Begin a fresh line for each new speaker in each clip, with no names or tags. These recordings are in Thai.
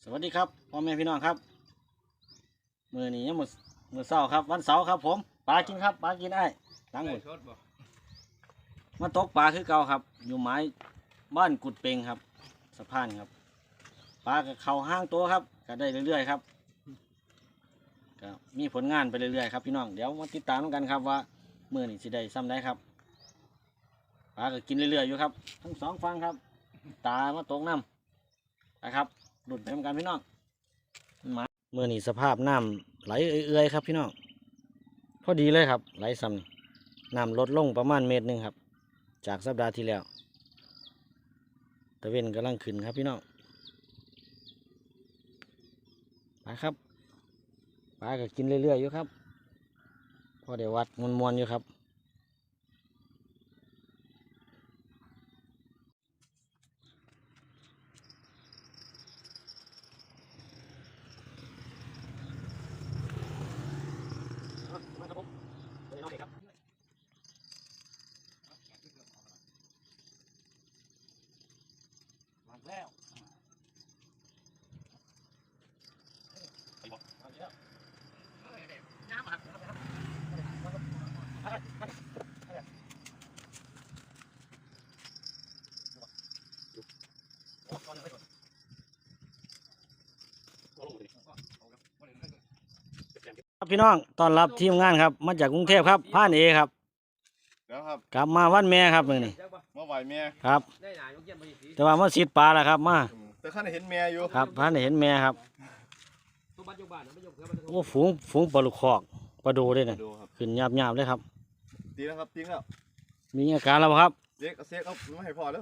สวัสดีครับพ่อแม่พี่น้องครับมื้อนี้ยังมื้อเช้าครับวันเสาร์ครับผมปลากินครับปลากินได้ล้างหมดมาตกปลาคือเก่าครับอยู่ไม้บ้านกุดเปงครับสะพานครับปลากับเขาห้างตัวครับก็ได้เรื่อยๆครับก็มีผลงานไปเรื่อยๆครับพี่น้องเดี๋ยวมาติดตามกันครับว่ามื้อนี้สิได้ซ้ำได้ครับปลาก็กินเรื่อยๆอยู่ครับทั้งสองฝั่งครับตามาตกน้ำนะครับหลุดไปเหมือนกันพี่น้องมาเมื่อนี้สภาพน้ำไหลเอื่อยๆครับพี่น้องพอดีเลยครับไหลซ้ำน้ำลดลงประมาณ1 เมตรครับจากสัปดาห์ที่แล้วตะเวนกำลังขึ้นครับพี่น้องปลาครับปลาก็กินเรื่อยๆอยู่ครับพอได้วัดมวนๆอยู่ครับแล้วครับพี่น้องต้อนรับทีมงานครับมาจากกรุงเทพครับผ่านเอครับ
แล้วครับ
กลับมาวันแม่ครับมื้อนี้
เมื่อไหวแม่
ครับแต่ว่ามาสิดปลาแล้วครับมา
แต่ข้าเห็นแม่อยู่
ครับผ่านได้เห็นแม่ครับโอ้ฝูงปลาลูกคอกปลาดูด้วยเนี่ย
ดูครับ
ขึ้นหยาบๆเลยครับ
ตีแล้วครับตีแล้ว
มีอาการแล้วบ่ครับ
เซ็กเอาไม่ให้พอแล้ว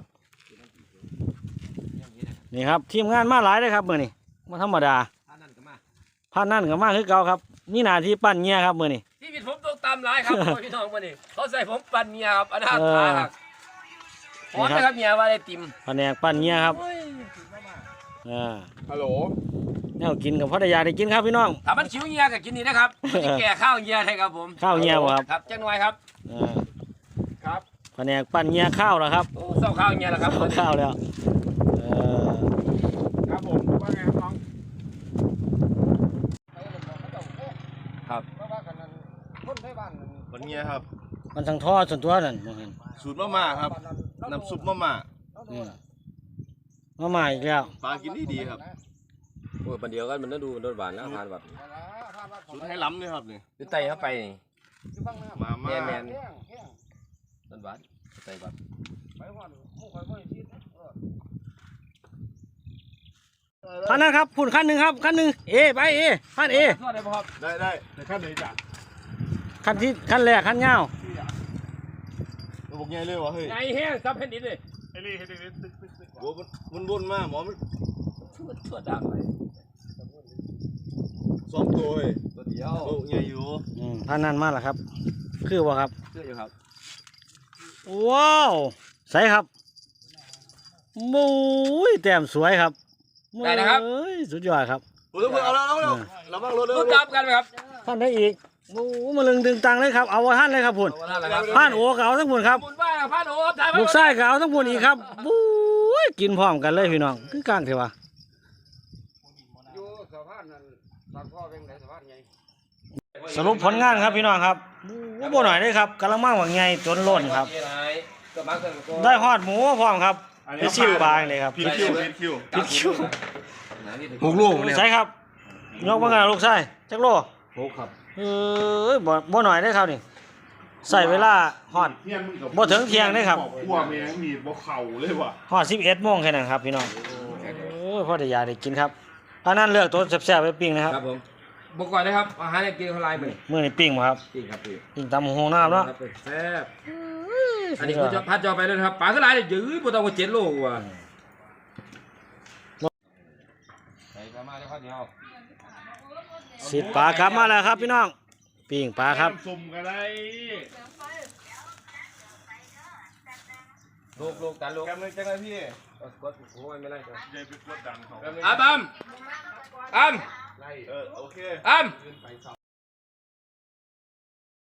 นี่ครับทีมงานมาหลายเลยครับมื้อนี้มาธรรมดาผ่านนั่นก็มาคือเก่าครับมีหน้าที่ปั้นเงี้ยครับมื้อนี้
ชีวิตผมต้องตามหลายครับ พี่น้องวันนี้เขาใส่ผมปั่นเมียครับอนาถาครับหอมนะครับเมียว่าได้ติ่ม
แผนกปั้นเงี้ยครับ
ฮัลโหล
แนวกินกับพ่อได้ยาได้กินครับพี่น้อง
ถ้ามันชิวเมียก็กินนี่นะครับมันจะแก่ข้าวเมียให้ครับผม
ข้าวเงี้ยบ่ครับ
ครับจังหน่อยครับครับ
แผนกปั้นเงี้ยข้าวแล้วครับ
โอ้เศร้าข้าวเมียแล้วครับ
ข้าวแล้ว
ครับผมว่าไงครับน้อง
ครับ
วันเงี้ยครับ
มันทั้งท่อส่วนตัวนั่นบ่เห็น
สูตรมะม่าครับน้ำซุปมะม่า
มาใหม่อีกแล้ว
ปลากินดีครับ
โอ้ยปันเดียวกันมันต้องดูมันโดนหวานแล้วทานแบบ
สูตรให้ล้ำเลยครับนี่
คือไตเข้าไปนี่
มาม่า
แมนโดนหวานไตแบบ
คันนั้นครับพุ่นคันหนึ่งครับคันหนึ่งไปคันเอ
ทอดได้ป่ะครับ
ได้แต่ขั้นไหนจ้ะ
คันแรกคันเงา
เราบอกไงเลยวะเฮ้ย
ไงแห้งซับแผ่นดินเลย
ไอ้นี่ให้ดึงโอ้มันวนมากหมอมัน
ชั่วดังไป
ซ้อมตัวเฮ้ย
ตัวเดียว
โอ้ไงอยู่
ท่านนั้นมาแล้วครับคือว่าครับ
เชื่ออยู่ครับ
ว้าวใสครับมุ้ยแต้มสวยครับ
ได้นะครับ
เอ้ยสุดยอดครับ
โอ้ยเอาแล้วเราบ้างรถเลย
พูดตามกันไหมครับ
ท่านได้อีกโอ้มาลึงดึงตังเลยครับเอาไว้ท่านเลยครับพุ่นท่านโอก็เอาทั้งพุ่นครับ
บุญบ้านพระโอ้ถ่าย
ลูกไส้ก็เอาทั้งพุ่นอีกครับบุ้ยกินพร้อมกันเลยพี่น้องคือกลางเถอะวะ
อยู่สะพานนั้นบางพ่อเป็นไหนสะพานไง
สรุปผลงานครับพี่น้องครับบ่หน่อยเลยครับกำลังมั่งหวังไงจนล้นครับ ได้ฮอดหมูพร้อมครับไปชิมปลาเลยครับ
ผิดคิว
หกลูกใช่ครับยกมากันลูกไส้จักโล
โอ้ครับ
บ่หน่อยได้ครับนี่ใส่เวลาฮอดบ่ถึงเที่ยงได้ครับ
กลัวแม่งมีบ่เข่าเลยว่ะ
ฮอด11 โมงแค่นั้นครับพี่น้องพอได้ยาได้กินครับอันนั้นเลือกตัวแซ่บๆไปปิ้งนะครับ
ครับผมบอกก่อนนะครับอาหารกินเท่าไรมื้อ
มื้อนี้ปิ้งบ่ครับ
จริงครับพี่
ปิ้งตำหูน้ำเนาะ
แซ่บอันนี้คือจะพัดจอไปเลยครับปลาก็หลายเลยยื้อบ่ต้องว่า7 โลว่ะใส่มาได้ข้าวเหนียว
สิปลากลับมาแล้วครับพี่น้องปิ้งปลาครับ
สุ่มกันได้
ลูกกันลูก
กันเลยจังเลยพี่
กดโอ้ยไม่ไล่ตัว
อย่าไปกดดันเขา
อัมโอเค
โอเค